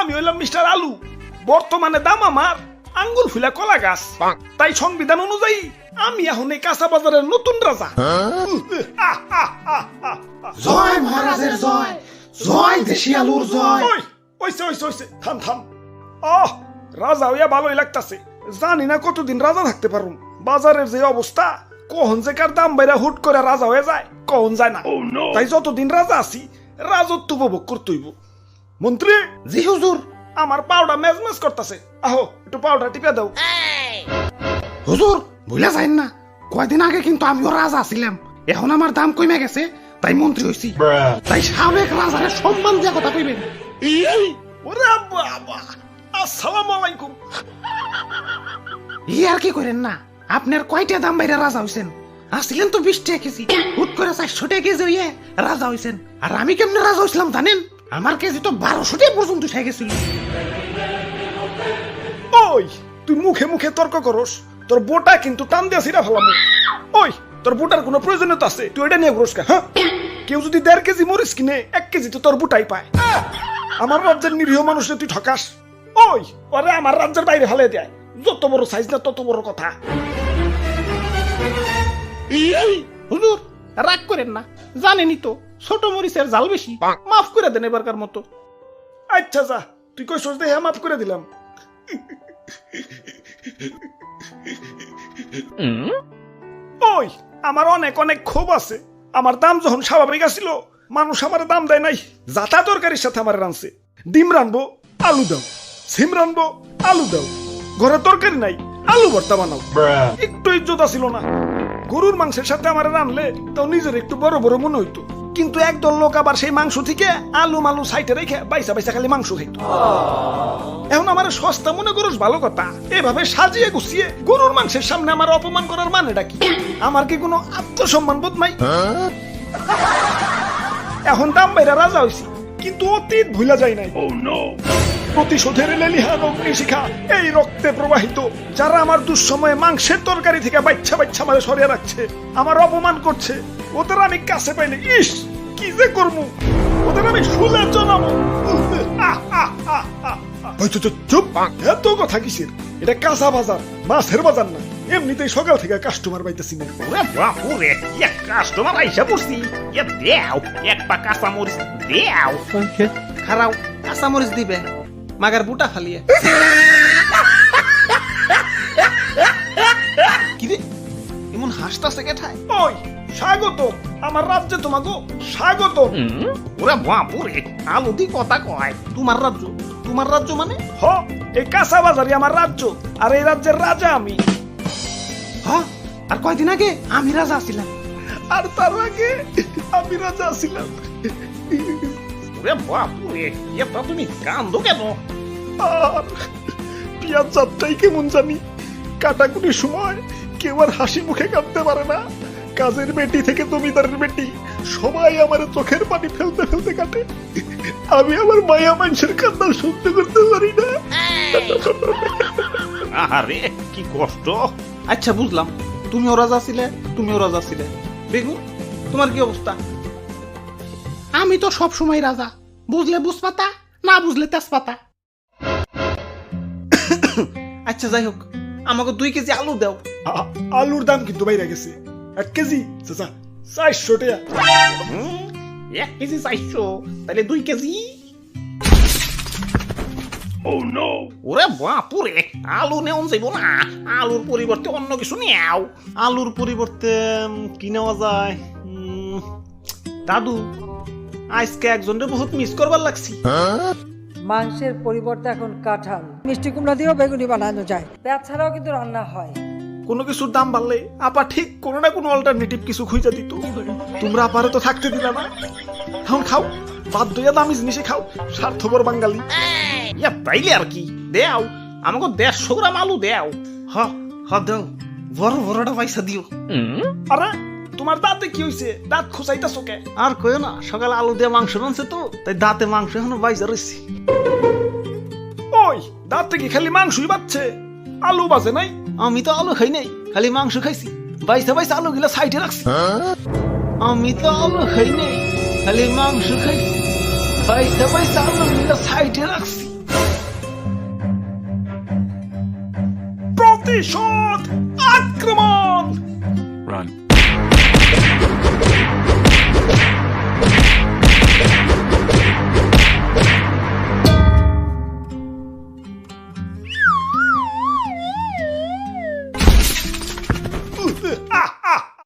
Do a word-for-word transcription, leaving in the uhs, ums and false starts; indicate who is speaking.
Speaker 1: আমি হইলাম মিস্টার আলু, বর্তমানে দাম আমার আঙ্গুল ফুলা কলা গাছ। তাই সংবিধান অনুযায়ী আমি এখন এই কাঁচা বাজারের নতুন রাজা।
Speaker 2: জয় মহারাজের জয়, জয় দেশি আলুর জয়।
Speaker 1: ওই ওইসে ওইসে ওইসে থাম থাম। আহ রাজা হইয়া ভালোই লাগতাছে, জানি না কতদিন রাজা থাকতে পারুম। বাজারের যে অবস্থা, কখন যে কার দাম বাইরা হুট করে রাজা হয়ে যায় কখন যায় না। তাই যতদিন রাজা আছি রাজত্ব উপভোগ করতে হইব। মন্ত্রী,
Speaker 2: জি হুজুর।
Speaker 1: আমার পাউডার মেজমেজ করতেছে, আহো একটু পাউডার টিপে দাও।
Speaker 2: হুজুর ভুলে যাইন না, কয়দিন আগে কিন্তু আমিও রাজা ছিলাম, এখন আমার দাম কমে গেছে তাই মন্ত্রী হইছি। তাই সাবেক রাজারে সম্মান দিয়া কথা কইবেন।
Speaker 1: ওরে বাবা, আসসালামু আলাইকুম।
Speaker 2: ই আর কি করেন না, আপনার কয়টা দাম বাইরে রাজা হইছেন? আসছিলেন তো বিশ টাকা কেজি, হুট করে চারশো টাকা কেজি হইয়ে রাজা হইছেন। আর আমি কেমনে রাজা হইছিলাম জানেন? আমার কেজি তো বারোশো টাকা পর্যন্ত উঠে গেছিল।
Speaker 1: ওই তুই মুখে মুখে তর্ক করস, তোর বোটা কিন্তু টান দিয়া ছিড়া ফেলাম। ওই তোর বোটার কোনো প্রয়োজনীয়তা আছে? তুই এটা নিয়ে ঘুরস কা? হ্যাঁ, কেউ যদি দেড় কেজি মরিচ কিনে এক কেজি তো তোর বুটাই পায়। আমার রাজ্যের নিরীহ মানুষে তুই ঠকাস। ওই ওরে আমার রাজ্যের বাইরে ফেলে দেয়, যত বড় সাইজ না তত বড় কথা।
Speaker 2: হুজুর রাগ করেন না, জানেনই তো ছোট মরিচের জাল বেশি, মাফ করে দেন এবারকার মতো।
Speaker 1: আচ্ছা যা, তুই কই সোচ দেহে মাফ করে দিলাম। ওই আমার অনেক অনেক ক্ষোভ আছে। আমার দাম যখন স্বাভাবিক আসছিল, মানুষ আমার দাম দেয় নাই। জাতা তরকারির সাথে আমার রানছে, ডিম রানবো আলু দাও, সিম রানবো আলু দাও, ঘরে তরকারি নাই আলু ভর্তা বানাও, একটু ইজ্জত ছিল না। গরুর মাংসের সাথে আমার রানলে তাও নিজের একটু বড় বড় মনে হইতো। কিন্তু একদল লোক আবার সেই মাংস থেকে আলু মালু সাইটে রেখে বাইসা বাইসা খালি মাংস খাইত। এখন আমার সস্তা মনে করস ভালো কথা, এভাবে সাজিয়ে গুছিয়ে গরুর মাংসের সামনে আমার অপমান করার মানেটা কি? আমার কি কোনো আত্মসম্মান বোধ নাই? এখন দাম বাইরা রাজা হইছি, কিন্তু অতীত ভুলা যায় নাই। প্রতিশোধের লেলিহান অগ্নিশিখা এই রক্তে প্রবাহিত। যারা আমার দুঃসময়ে মাংসের তরকারি থেকে বাচ্চা বাচ্চা আমাদের সরিয়ে রাখছে, আমার অপমান করছে, ওদের আমি কাছে পাইলে ইস কি যে করবো, ওদের আমি শুলে জানাবো। চুপ, এত কথা কিসের? এটা কাঁচা বাজার, মাছের বাজার না। এমনিতেই সকাল থেকে কাস্টমার পাইতেছি না।
Speaker 3: ওরে বাপুরে, এক কাস্টমার আইসা পড়ছি। এ দেও এক পা কাঁচা মরিচ দেও।
Speaker 2: খারাও কাঁচা মরিচ দিবে, মাগার বুটা ফালিয়ে। কিরে এমন হাসতাছে কেঠায়?
Speaker 1: ওই স্বাগত আমার রাজ্যে, তোমাকে স্বাগত।
Speaker 3: ওরে বাপুরে, আলু দি কথা কয়।
Speaker 2: তোমার রাজ্য? তোমার রাজ্য মানে?
Speaker 1: হ, এই কাঁচা বাজারই আমার রাজ্য, আর এই রাজ্যের রাজা আমি।
Speaker 2: হ্যাঁ, আর কয়দিন আগে আমি রাজা ছিলাম।
Speaker 1: আর তার আগে আমি রাজা ছিলাম।
Speaker 3: ওরে বাপুরে, এটা তুমি কান্দো কেন?
Speaker 1: আর পিয়াজ যাত্রাই কেমন জানি, কাটাকুটির সময় কেউ আর হাসি মুখে কাঁদতে পারে না। কাজের বেটি থেকে জমিদারের বেটি সবাই আমার চোখের পানি ফেলতে ফেলতে কাটে। আমি আমার মায়া মানুষের কান্না সহ্য করতে পারি না।
Speaker 3: আরে কি কষ্ট।
Speaker 2: আচ্ছা বুঝলাম, তুমিও রাজা ছিলে, তুমিও রাজা ছিলে। বেগুন তোমার কি অবস্থা? আমি তো সব সময় রাজা, বুঝলে বুঝপাতা, না বুঝলে তেজপাতা। আচ্ছা যাই হোক, আমাকে দুই কেজি আলু দাও।
Speaker 1: আ- আলুর দাম কিন্তু বাইরে গেছে, এক কেজি চাচা চারশো টাকা।
Speaker 3: হুম, এক কেজি চাইছো, তাহলে দুই কেজি। ওরে বাপুরে, আলু নেওয়া যাইব না, আলুর পরিবর্তে অন্য কিছু নেও।
Speaker 2: আলুর পরিবর্তে উম, কি নেওয়া যায়? উম, দাদু আজকে একজনের বহুত মিস করবার লাগছি।
Speaker 4: মাংসের পরিবর্তে এখন কাঁঠাল, মিষ্টি কুমড়া দিয়েও বেগুনি বানানো যায়। পেঁয়াজ ছাড়াও কিন্তু রান্না হয়।
Speaker 1: কোনো কিছুর দাম বাড়লে আপা ঠিক কোনো না কোনো অল্টারনেটিভ কিছু খুঁজে দিত। তোমরা আপারে তো থাকতে দিলা না, এখন খাও, বাধ্য হইয়া দামি জিনিসে খাও, স্বার্থপর বাঙালি।
Speaker 3: ইয়া তাইলে আর কি, দেও আমাকে দেড়শো গ্রাম আলু দেও।
Speaker 2: হ হ দাও, বড় বড়টা পয়সা দিও।
Speaker 1: আরে তোমার দাঁতে কি হইছে? দাঁত খুঁচাইতাছো কে?
Speaker 2: আর কইও না, সকালে আলু দিয়ে মাংস রানছে তো, তাই দাঁতে মাংস এখনো বাইজা রয়েছে।
Speaker 1: ওই দাঁতে কি খালি মাংসই বাচ্ছে, আলু বাজে নাই?
Speaker 2: আমি তো আলু খাই নাই, খালি মাংস খাইছি। বাইসা বাইসা আলু গিলা সাইডে রাখছি। আমি তো আলু খাই নাই, খালি মাংস খাইছি। বাইসা বাইসা আলু গিলা সাইডে রাখছি।
Speaker 1: প্রতিশোধ আক্রমণ।
Speaker 5: Run.